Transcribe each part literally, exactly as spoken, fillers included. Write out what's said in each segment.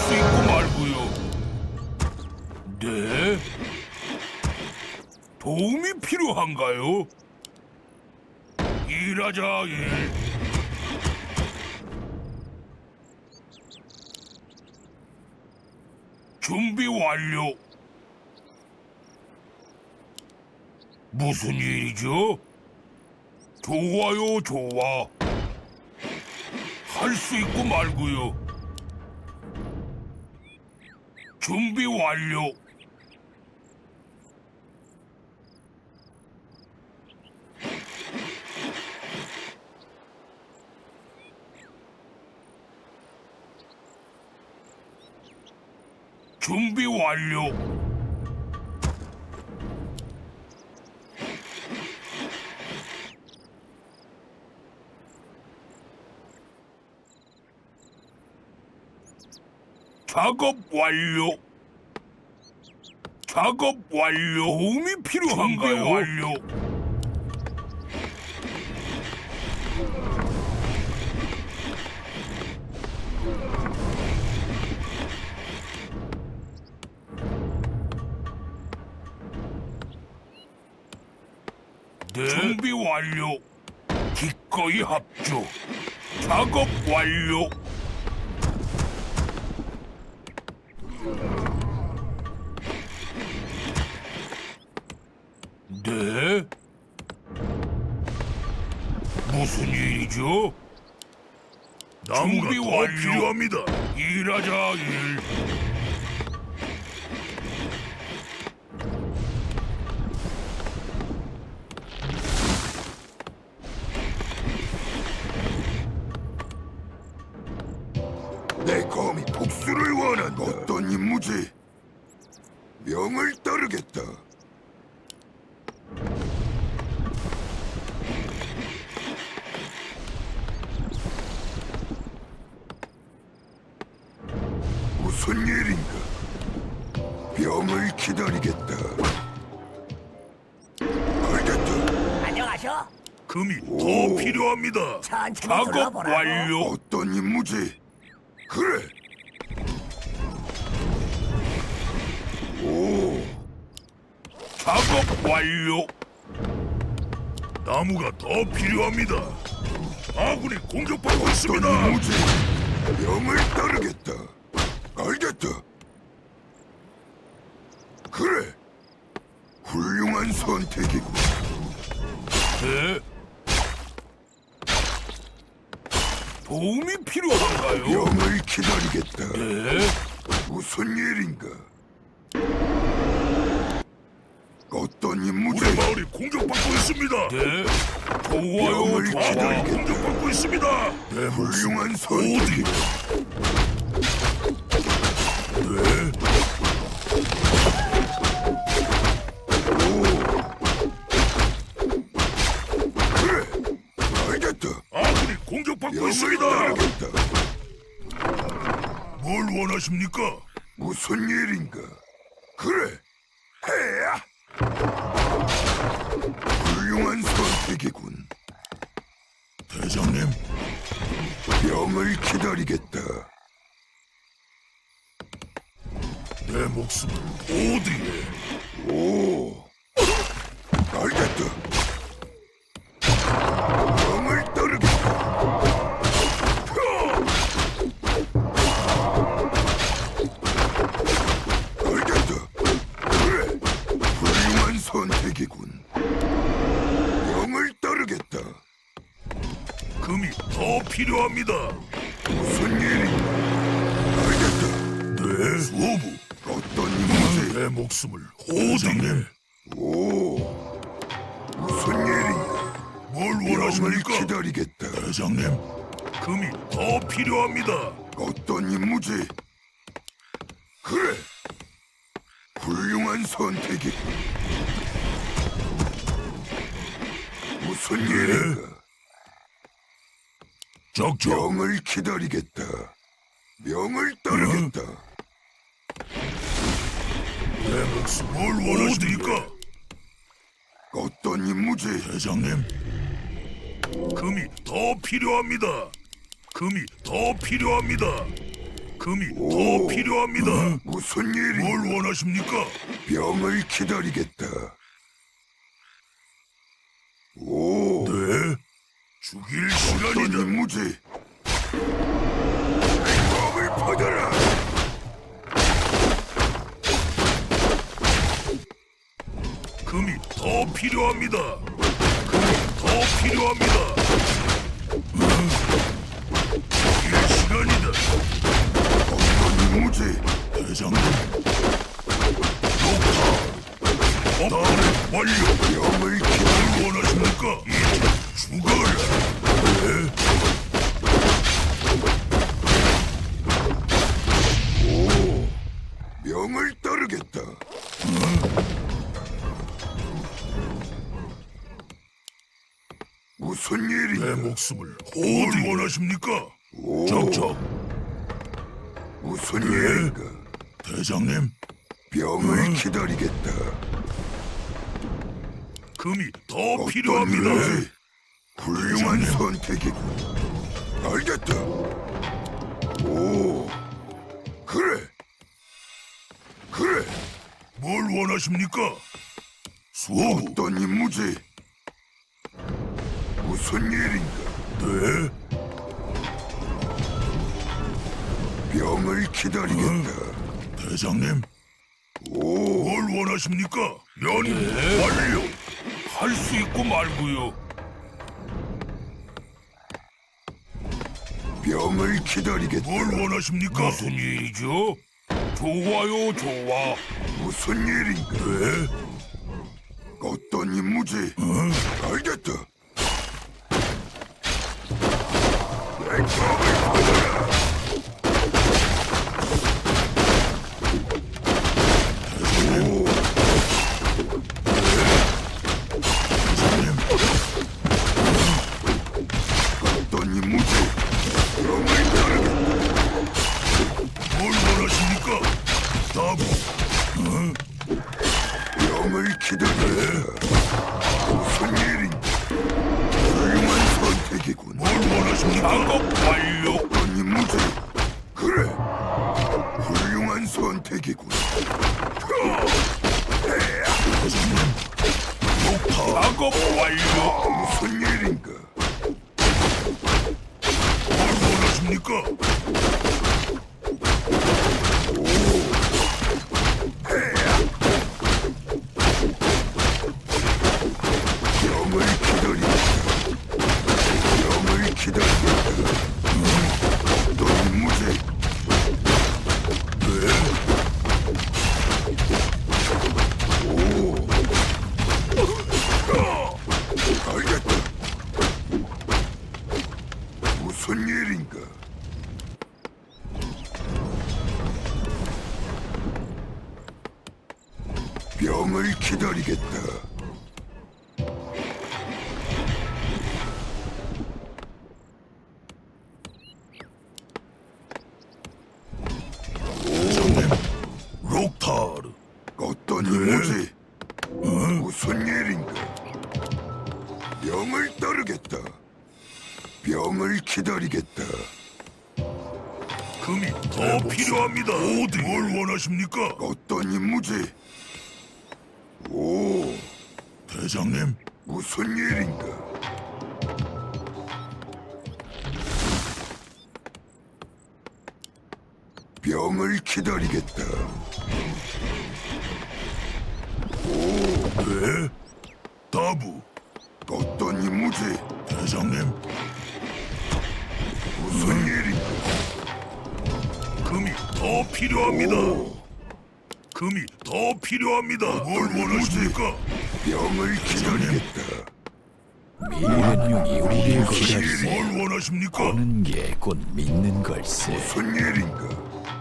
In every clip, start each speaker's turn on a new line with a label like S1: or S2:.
S1: 수 있고 말고요. 네? 도움이 필요한가요? 일하자, 일. 준비 완료. 무슨 일이죠? 좋아요, 좋아. 할 수 있고 말고요. 준비 완료. 준비 완료. 작업 완료. 작업 완료. 도움이 필요한가요? 준비 완료. 네. 준비 완료. 기꺼이 합주. 작업 완료. 네? 무슨 일이죠? 나무가 더 완료. 필요합니다. 일하자, 일.
S2: 내 검이 복수를 원한다. 어떤 임무지? 명을 따르겠다. 무슨 일인가? 병을 기다리겠다. 알겠다.
S3: 안녕하셔.
S1: 금이
S2: 오.
S1: 더 필요합니다.
S3: 천천히
S1: 작업
S3: 둘러보라고.
S1: 완료.
S2: 어떤 임무지? 그래. 오,
S1: 작업 완료. 나무가 더 필요합니다. 아군이 공격받고
S2: 어떤
S1: 있습니다.
S2: 임무지? 명을 따르겠다. 알겠다. 그래. 훌륭한 선택이고.
S1: 네? 도움이 필요한가요?
S2: 명을 기다리겠다.
S1: 네?
S2: 무슨 일인가? 어떤 임무지?
S1: 우리 마을이 공격받고 있습니다. 네? 좋아요,
S2: 명을
S1: 좋아.
S2: 기다리겠다.
S1: 공격받고 있습니다. 네,
S2: 훌륭한
S1: 어디?
S2: 선택이고.
S1: 네?
S2: 그래. 알겠다.
S1: 아군이 공격받고
S2: 명을
S1: 있습니다.
S2: 따르겠다.
S1: 뭘 원하십니까?
S2: 무슨 일인가? 그래. 해야. 훌륭한 선택이군.
S1: 대장님,
S2: 명을 기다리겠다.
S1: 내 목숨을 어디에?
S2: 오. 알겠다. 명을 따르겠다. 알겠다. 그래. 훌륭한 선택이군. 명을 따르겠다.
S1: 금이 더 필요합니다.
S2: 무슨 일인가? 알겠다.
S1: 네, 수호부.
S2: 어떤 임무지?
S1: 내 목숨을 어디에?
S2: 오. 무슨 일인가?
S1: 뭘
S2: 명을
S1: 원하십니까?
S2: 기다리겠다.
S1: 대장님, 금이 더 필요합니다.
S2: 어떤 임무지? 그래. 훌륭한 선택이. 무슨 일인가?
S1: 적적.
S2: 명을 기다리겠다. 명을 따르겠다.
S1: 내 목숨 뭘 원하십니까?
S2: 어떤 임무지?
S1: 대장님, 금이 더 필요합니다. 금이 더 필요합니다. 금이
S2: 오.
S1: 더 필요합니다.
S2: 무슨 일이?
S1: 뭘 원하십니까?
S2: 병을 기다리겠다. 오,
S1: 네. 죽일
S2: 어떤
S1: 시간이다.
S2: 임무지? 몸을 퍼져라.
S1: 금이 더 필요합니다. 금이 더 필요합니다. 죽일 시간이다.
S2: 어떤 임무지?
S1: 대장님. 녹타. 업그레이드 완료.
S2: 병을 기다리.
S1: 뭘 원하십니까? 이제 죽어라. 네.
S2: 명을 따르겠다. 무슨
S1: 내
S2: 일인가?
S1: 목숨을 어디 원하십니까?
S2: 오,
S1: 적적.
S2: 무슨
S1: 네.
S2: 일인가?
S1: 대장님.
S2: 병을 기다리겠다.
S1: 금이 더
S2: 어떤
S1: 필요합니다.
S2: 임무지? 훌륭한
S1: 대장님.
S2: 선택이군. 알겠다. 오, 그래, 그래.
S1: 뭘 원하십니까? 수호.
S2: 어떤 임무지? 무슨 일인가?
S1: 네.
S2: 병을 기다리겠다.
S1: 대장님.
S2: 오,
S1: 뭘 원하십니까? 연구 완료. 할 수 있고 말고요.
S2: 병을 기다리겠다.
S1: 뭘 원하십니까? 무슨 일이죠? 좋아요, 좋아.
S2: 무슨 일인가?
S1: 네.
S2: 어떤 임무지? 알겠다. 내 검을 받아라. 오,
S1: 대장님.
S2: 어떤 임무지? 병을 따르겠다.
S1: 뭘 원하십니까? 답.
S2: 병을 기다리겠다. 무슨 일인가? 훌륭한 선택이군.
S1: 뭘 원하십니까? 작업 완료.
S2: 어떤 임무지? 그래, 훌륭한 선택이군.
S1: 대장님. 녹타. 작업 완료.
S2: 무슨 일인가?
S1: 뭘 원하십니까?
S2: 병을 기다리겠다. 병을 기다리겠다. 어떤 임무지? 알겠다. 무슨 일인가? 병을 기다리겠다.
S1: 대장님. 록타르.
S2: 어떤 임무지? 무슨 일인가? 병을 따르겠다. 병을 기다리겠다.
S1: 금이 더 필요합니다. 어디 뭘 원하십니까?
S2: 어떤 임무지? 오,
S1: 대장님.
S2: 무슨 일인가? 병을 기다리겠다.
S1: 네. 다부.
S2: 어떤 임무지?
S1: 대장님.
S2: 무슨 일인가?
S1: 금이 더 필요합니다.
S2: 오,
S1: 금이 더 필요합니다. 뭘
S2: 어떤
S1: 원하십니까?
S2: 병을 기다리겠다.
S3: 미련용이 우리를 기다리세.
S1: 뭘 원하십니까?
S3: 보는 게 곧 믿는 걸세.
S2: 무슨 일인가?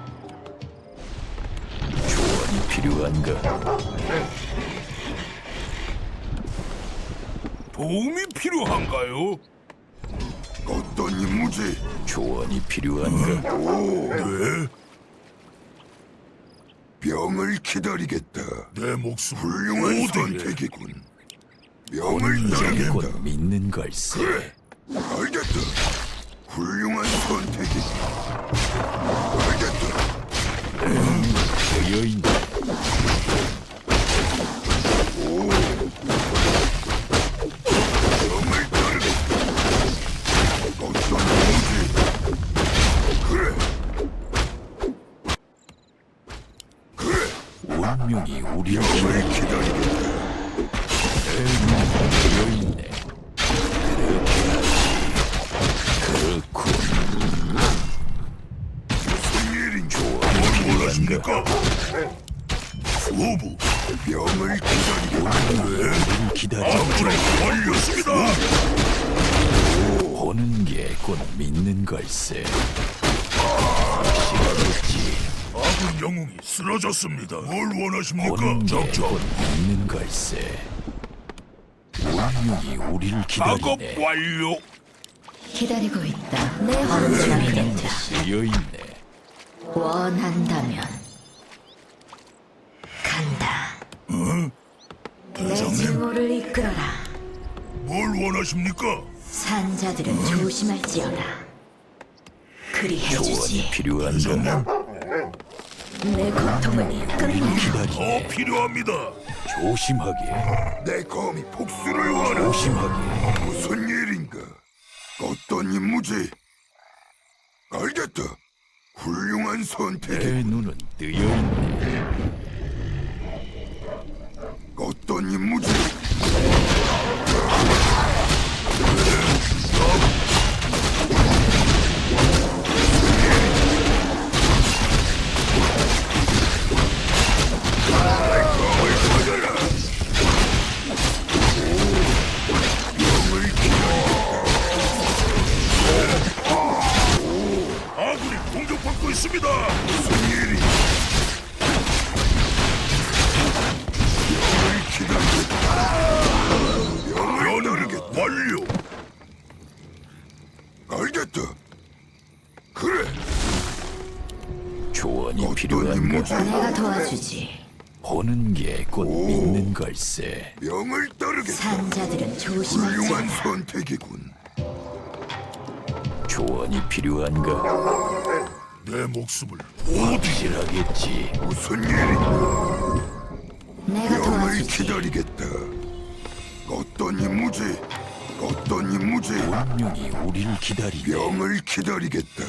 S3: 조언이 필요한가?
S1: 도움이 필요한가요?
S2: 어떤 임무지?
S3: 조언이 필요한가?
S2: 오,
S1: 네.
S2: 병을 기다리겠다.
S1: 내 목숨
S2: 훌륭한
S1: 어디에?
S2: 선택이군. 병을
S3: 보는 게
S2: 따르겠다.
S3: 곧 믿는 걸세.
S2: 그래, 알겠다. 훌륭한 선택이. 알겠다.
S3: 여인다.
S2: 명을 따르겠다. 어떤 무지? 그래. 그래.
S3: 운명이 우리를
S2: 명을 기다리겠다.
S3: 여인네. 그렇군.
S2: 무슨 일인지
S1: 뭘 원하십니까? 후부
S2: 명을 기다리겠다.
S3: 우리를 기다려.
S1: 업그레이드 완료습니다.
S3: 보는 게 곧 믿는 걸세. 확실하겠지.
S1: 아군 영웅이 쓰러졌습니다. 뭘 원하십니까?
S3: 보는 게 곧
S1: 적적
S3: 믿는 걸세. 운명이 우리를
S1: 작업
S3: 기다리네.
S1: 완료.
S4: 기다리고 있다. 내 혼종이 된다.
S3: 쓰여있네.
S4: 원한다면 간다. 내 증오를 이끌어라.
S1: 뭘 원하십니까?
S4: 산자들은 조심할지어다. 그리
S3: 조언이
S4: 해주지.
S3: 필요한가?
S4: 내 고통을 끝내라.
S3: 기다리네.
S1: 더 필요합니다.
S3: 조심하게.
S2: 내 검이 복수를 원하.
S3: 조심하게.
S2: 무슨 일인가? 어떤 임무지? 알겠다. 훌륭한 선택이.
S3: 내 눈은 뜨여있네.
S2: 어떤 임무지?
S1: 아군이 공격받고 있습니다.
S2: 무슨 일이? 명을 기다리겠다. 명을 따르겠다.
S1: 완료.
S2: 알겠다. 그래.
S3: 조언이
S2: 어떤
S3: 필요한가?
S2: 임무지?
S4: 내가 도와주지.
S3: 보는 게 곧 믿는 걸세.
S2: 명을 따르겠다.
S4: 산자들은
S2: 훌륭한
S4: 조심할지어다.
S2: 선택이군.
S3: 조언이 필요한가?
S1: 내 목숨을
S3: 확실하겠지.
S2: 무슨 일인가?
S4: 내가
S2: 명을
S4: 도와주지.
S2: 기다리겠다. 어떤 임무지? 어떤 임무지?
S3: 운명이 우리를 기다리네.
S2: 명을 기다리겠다.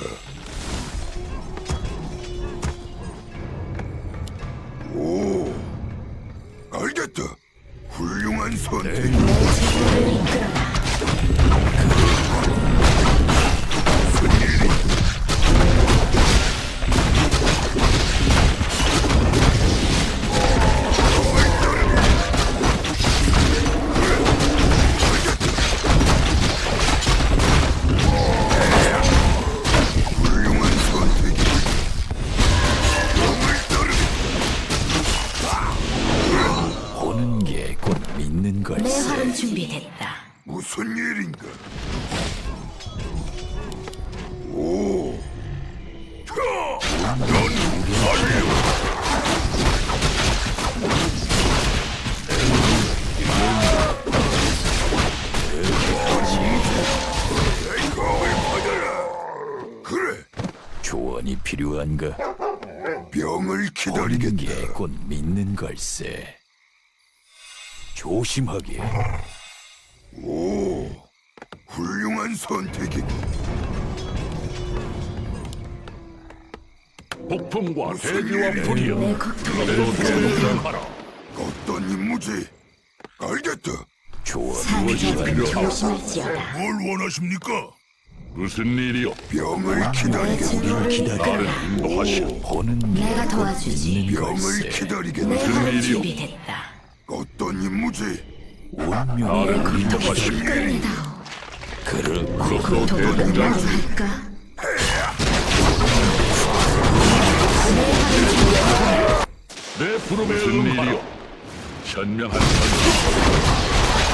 S2: 오, 알겠다. 훌륭한 선택.
S4: 내 증오를 이끌어라.
S2: 무슨 일이? 훌륭한 선택이. 명을 따르겠다.
S3: 보는 게 곧 믿는
S4: 내 활은
S3: 걸세.
S4: 준비됐다.
S2: 무슨 일인가? 오, 내 검을 받아라. 그래,
S3: 조언이 필요한가?
S2: 명을
S3: 보는
S2: 기다리겠다.
S3: 게 곧 믿는 걸세. 조심하게.
S2: 오, 훌륭한 선택이군.
S1: 폭풍과
S2: 대지와
S1: 불이여.
S4: 내 고통을 이끌어라.
S2: 어떤 임무지? 알겠다.
S3: 조언이
S4: 산자들은
S3: 필요한가?
S4: 조심할지어다.
S1: 뭘 원하십니까?
S5: 무슨 일이요?
S2: 명을
S4: 내
S2: 기다리겠다.
S4: 증오를 이끌어라.
S5: 인도하시오.
S3: 보는 게
S4: 내가
S3: 곧
S4: 도와주지.
S3: 믿는
S2: 명을
S3: 걸세.
S4: 내
S2: 기다리겠다.
S4: 활은
S5: 일이요?
S4: 준비됐다.
S2: 어떤 임무지?
S3: 운명이
S4: 내
S3: 우리를
S4: 고통을
S3: 기다리네.
S4: 끝내다오.
S3: 그렇고
S4: 고통을 끝내고 할까?
S5: 내 부름에 무슨 일이요? 현명한 선택.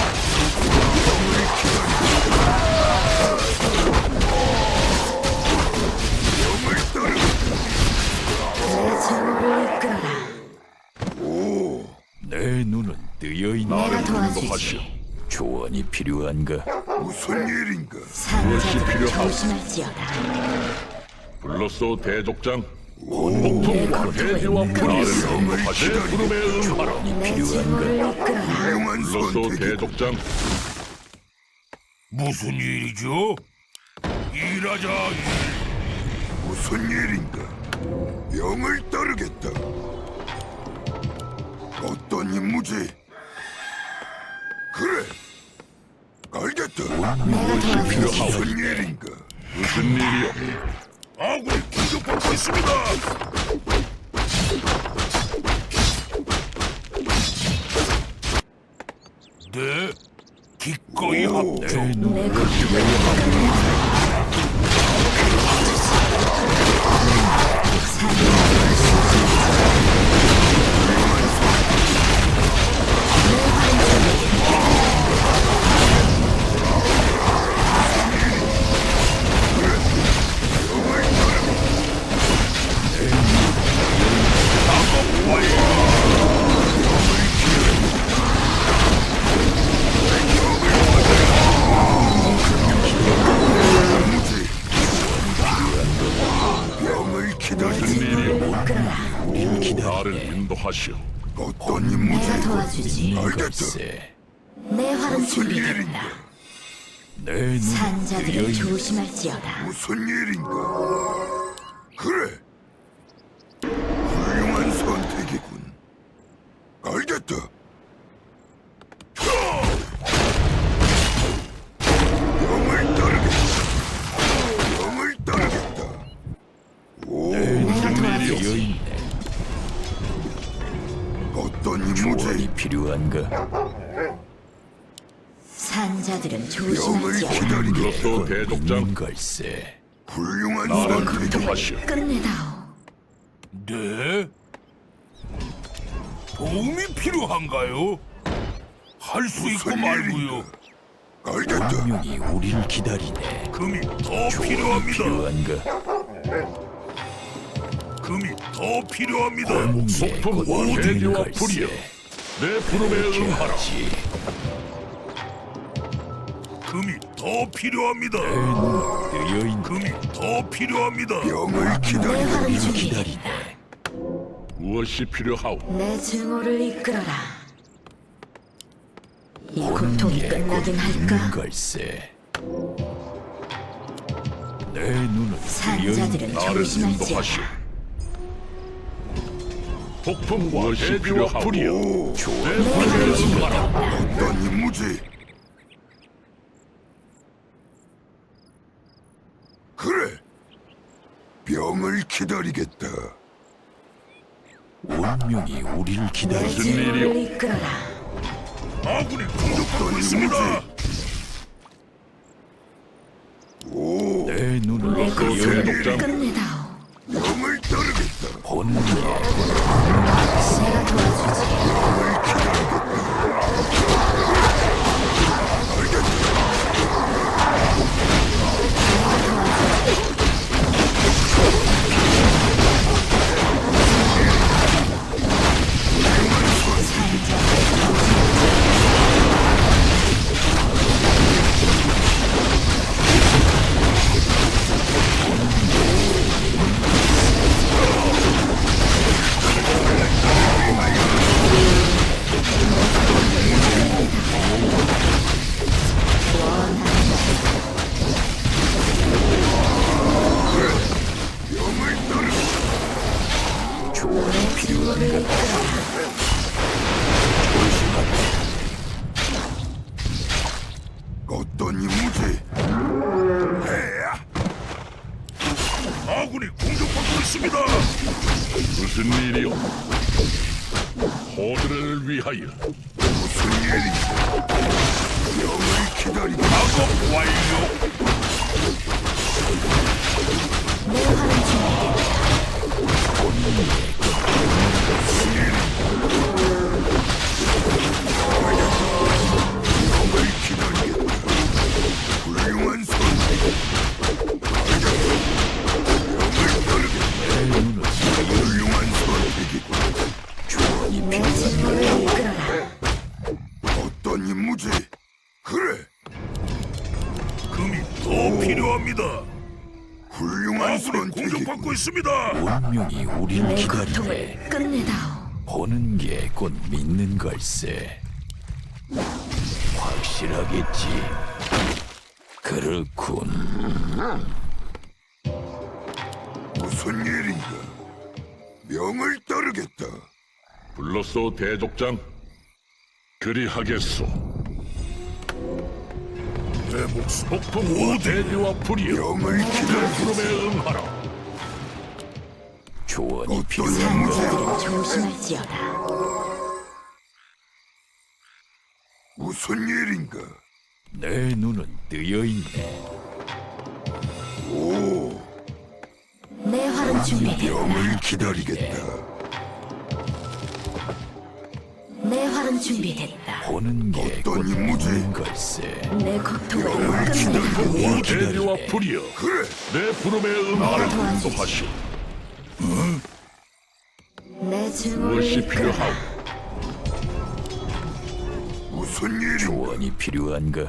S2: 명을 따르겠다.
S4: 내 증오를 이끌어라.
S2: 오,
S3: 내 눈은 뜨여 있네.
S4: 내가
S5: 인도하시오.
S4: 도와주지.
S3: 조언이 필요한가?
S2: 무슨 일인가?
S4: 산자들은
S5: 필요하오?
S4: 조심할지어다.
S5: 불렀소 대족장.
S4: 내
S5: 폭풍과
S4: 고통을
S5: 대지와 불의를
S4: 이끌어라.
S5: 인도하시 내 부름에 응하라.
S4: 내 증오를 이끌어라.
S2: 훌륭한
S5: 불렀소
S2: 선택이군.
S5: 대족장.
S1: 무슨 일이죠? 일하자 일.
S2: 무슨 일인가? 명을 따르겠다. 어떤 임무지? 그래. 알겠다.
S4: 내가 도와주지.
S2: 무슨 일인가?
S5: 무슨 일이요?
S1: 아군이 공격받고 있습니다. 네, 기꺼이 합조.
S4: 내 고통을
S2: 명을 기다리는
S5: 일이요? 나를 인도하시오.
S2: 어떤 임무지?
S4: 내가 도와주지.
S2: 알겠다.
S3: 걸세.
S4: 내 활은
S2: 무슨
S4: 준비됐다.
S2: 일인가?
S3: 내 눈은
S4: 산자들은
S3: 뜨여 있네.
S4: 조심할지어다.
S2: 무슨 일인가? 그래. 훌륭한 선택이군. 알겠다. 명을 따르겠다. 명을 따르겠다. 오,
S4: 내가 도와주지.
S3: 뜨여 있네.
S2: 어떤 임무지?
S3: 조언이 필요한가?
S4: 산자들은
S2: 명을
S4: 조심할지어다.
S2: 기다리겠다.
S5: 불렀소 대족장.
S3: 있는 걸세.
S2: 훌륭한
S5: 나를
S2: 선택.
S5: 인도하시오.
S4: 끝내다오.
S1: 네? 도움이 필요한가요? 할 수 있고
S2: 무슨
S1: 말고요.
S2: 일인가? 알겠다.
S3: 운명이 우리를 기다리네.
S1: 금이 더
S3: 조언이
S1: 필요합니다.
S3: 필요한가?
S1: 금이 더 필요합니다.
S3: 번개 곧
S5: 폭풍과
S3: 오는
S5: 대지와 불이여.
S3: 걸세.
S5: 내 부름에 응하라.
S3: 하지.
S1: 금이 더 필요합니다.
S3: 내 눈은 뜨여 있네.
S1: 금이 더 필요합니다.
S2: 명을
S4: 내
S2: 기다리겠다.
S4: 활은
S3: 우리를
S4: 준비됐다.
S3: 기다리네.
S5: 무엇이 필요하오?
S4: 내 증오를 이끌어라. 이 고통이
S3: 번개 곧
S4: 끝나긴
S3: 있는
S4: 할까?
S3: 걸세. 내 눈은 뜨여
S4: 산자들은
S3: 있네.
S5: 나를 인도하시오.
S4: 조심할지어다.
S5: 폭풍과 대지와 불이여. 내
S4: 내 활은
S5: 부름에
S4: 준비됐다.
S5: 응하라.
S2: 어떤 임무지? 그래. 명을 기다리겠다.
S3: 운명이 우리를
S4: 내
S3: 기다리네.
S5: 무슨
S4: 증오를
S5: 일이요?
S4: 이끌어라.
S1: 아군이 공격받고
S2: 어떤
S1: 있습니다.
S2: 오,
S3: 내 눈은
S4: 내
S3: 뜨여
S4: 고통을
S3: 있네.
S5: 대족장.
S4: 끝내다오.
S2: 명을 따르겠다.
S3: 번개
S4: 내가 도와주지.
S2: 명을 따르겠다.
S3: 조언이 필요한가?
S2: 어떤 임무지?
S1: 아군이 공격받고 있습니다.
S5: 무슨 일이요? 호드를 위하여.
S2: 무슨 일인가? 명을 기다리겠다.
S1: 작업 완료.
S4: 내 활은 준비됐다.
S2: 명을 기다리겠다. 훌륭한 선택. 명을 따르겠다. 훌륭한 선택이군.
S3: 조언이
S4: 내
S3: 필요한가?
S4: 증오를 이끌어라.
S2: 어떤 임무지? 그래.
S1: 더 필요합니다.
S2: 훌륭한
S1: 아군이
S2: 선택이군.
S1: 공격받고 있습니다.
S3: 운명이 우리를
S4: 내
S3: 기다리네.
S4: 고통을 끝내다오.
S3: 보는 게 곧 믿는 걸세. 확실하겠지. 그렇군.
S2: 무슨 일인가? 명을 따르겠다.
S5: 불렀소 대족장. 그리하겠소.
S1: 내 목숨
S5: 폭풍과 대지와 불이여
S2: 명을 기다리겠다.
S5: 부름에 응하라.
S3: 조언이
S2: 어떤
S3: 필요한가?
S4: 산자들은 조심할지어다.
S2: 무슨 일인가?
S3: 내 눈은 뜨여 있네.
S2: 오,
S4: 내 활은 준비됐다.
S2: 명을 기다리겠다.
S4: 내 활은 준비됐다.
S3: 보는 게 곧
S2: 어떤 임무지?
S3: 믿는 걸세.
S4: 내 고통을
S2: 명을
S4: 끝내다오.
S5: 폭풍과
S3: 기다리네.
S5: 대지와 불이여
S2: 그래,
S5: 내 부름에 응하라.
S4: 도와주지.
S5: 인도하시오.
S4: 내 증오를
S5: 무엇이
S4: 이끌어라.
S5: 필요하오?
S2: 무슨 일인가?
S3: 조언이 필요한가?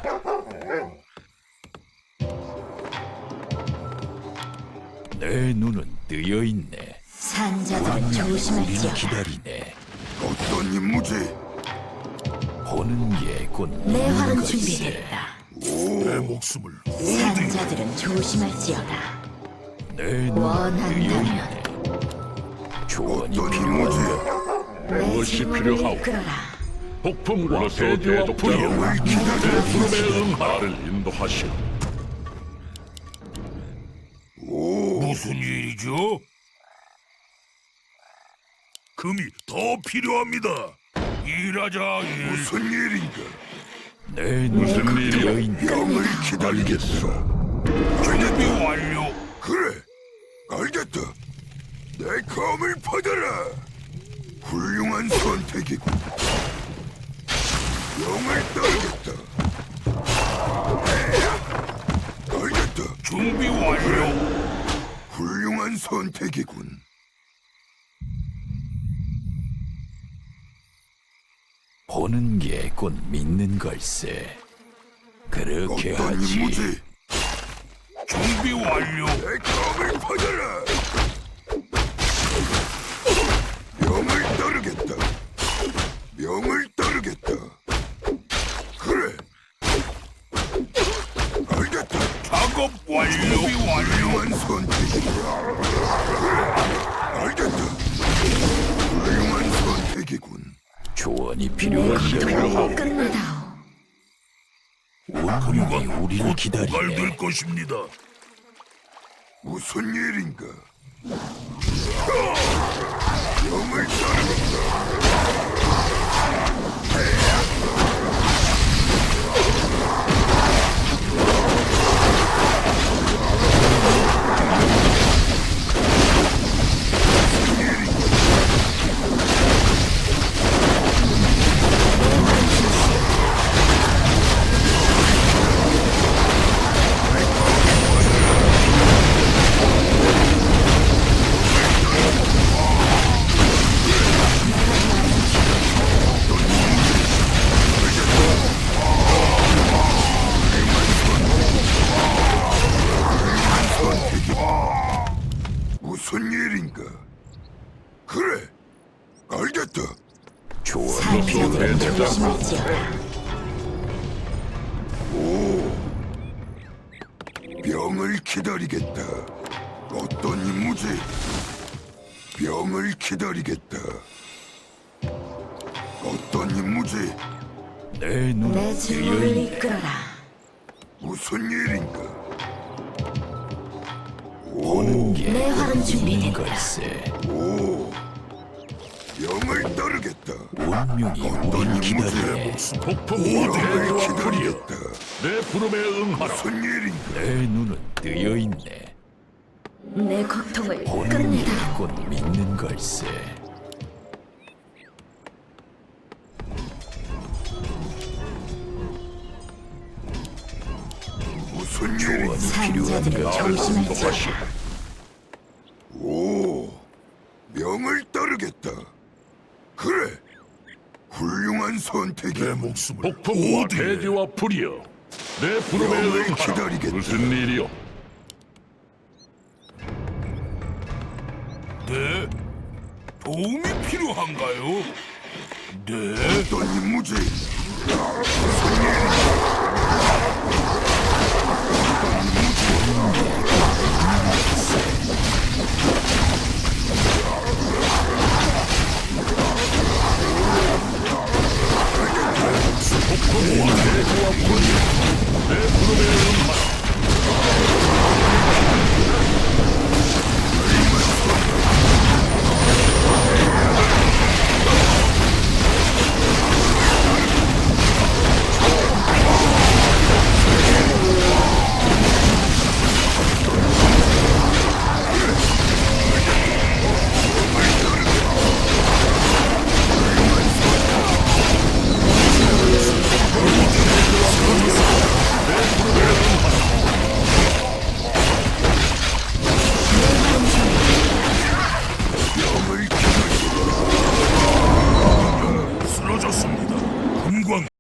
S3: 내 눈은 뜨여 있네.
S4: 산자들은
S3: 우리를
S4: 조심할지어다.
S3: 기다리네.
S2: 어떤 임무지?
S3: 보는 게 곧
S4: 내
S3: 믿는
S4: 활은
S3: 걸세.
S4: 준비됐다.
S1: 내 목숨을 어디
S4: 산자들은 조심할지어다.
S3: 내 눈은 뜨여
S4: 원한다면
S3: 있네. 조언이
S2: 어떤
S3: 필요한가?
S2: 임무지?
S4: 내
S5: 무엇이
S4: 증오를
S5: 필요하오?
S4: 이끌어라.
S5: 폭풍과 대지와 불이여
S2: 명을
S5: 내
S2: 기다리겠다.
S5: 부름에 응하라를 인도하시오.
S2: 오,
S1: 무슨 일이죠? 금이 더 필요합니다. 일하자 일.
S2: 무슨 일인가?
S3: 내 눈은
S5: 무슨
S3: 뜨여
S5: 일이오?
S3: 있네.
S2: 명을 기다리겠어.
S1: 준비 완료.
S2: 그래, 알겠다. 내 검을 받아라. 훌륭한 선택이군. 명을 따르겠다. 알겠다.
S1: 준비 완료.
S2: 훌륭한 선택이군.
S3: 보는 게 곧 믿는 걸세. 그렇게
S2: 어떤
S3: 하지.
S2: 임무지?
S1: 준비 완료.
S2: 내 검을 받아라. 명을 따르겠다. 명을 따르겠다. 그래. 알겠다.
S1: 작업 완료. 준비 완료.
S2: 훌륭한 선택이군. 그래. 알겠다. 훌륭한 선택이군.
S3: 조언이
S4: 내
S3: 필요한가?
S4: 고통을 끝내다오.
S3: 운명이 우리를
S1: 곧
S3: 기다리네.
S1: 고갈될 것입니다.
S2: 무슨 일인가? 명을 따르겠다. 무슨 일인가? 그래, 알겠다.
S3: 조언이 필요한가?
S4: 산자들은 조심할지어다.
S2: 병을 기다리겠다. 어떤 임무지? 병을 기다리겠다. 어떤 임무지?
S3: 내
S4: 내
S3: 눈은 뜨여
S4: 증오를
S3: 있네.
S4: 이끌어라.
S2: 무슨 일인가?
S3: 보는 게
S4: 내
S3: 곧
S4: 활은
S3: 믿는
S4: 준비됐다.
S3: 걸세.
S2: 오, 병을 따르겠다.
S3: 운명이
S2: 어떤
S3: 우리를
S2: 임무지?
S3: 기다리네.
S5: 폭풍과
S2: 병을
S5: 대지와 불이여
S2: 기다리겠다.
S5: 내 부름에 응하라.
S2: 무슨 일인가?
S3: 내 눈은 뜨여 있네.
S4: 내 고통을
S3: 보는 게
S4: 끝내다오.
S3: 곧 믿는 걸세.
S2: 무슨
S3: 조언이
S2: 일인가?
S4: 산자들은
S3: 필요한가?
S4: 조심할지어다.
S2: 오, 명을 따르겠다. 그래, 훌륭한
S1: 내
S2: 선택이야.
S1: 목숨을
S5: 폭풍과
S1: 어디에?
S5: 대지와 불이여 내 부름에
S2: 명을
S5: 응하라.
S2: 기다리겠다.
S5: 무슨 일이요?
S1: 네? 도움이 필요한가요? 네?
S2: 어떤 임무지?
S5: 내 부름에 응하라.
S1: 쓰러졌습니다. 금광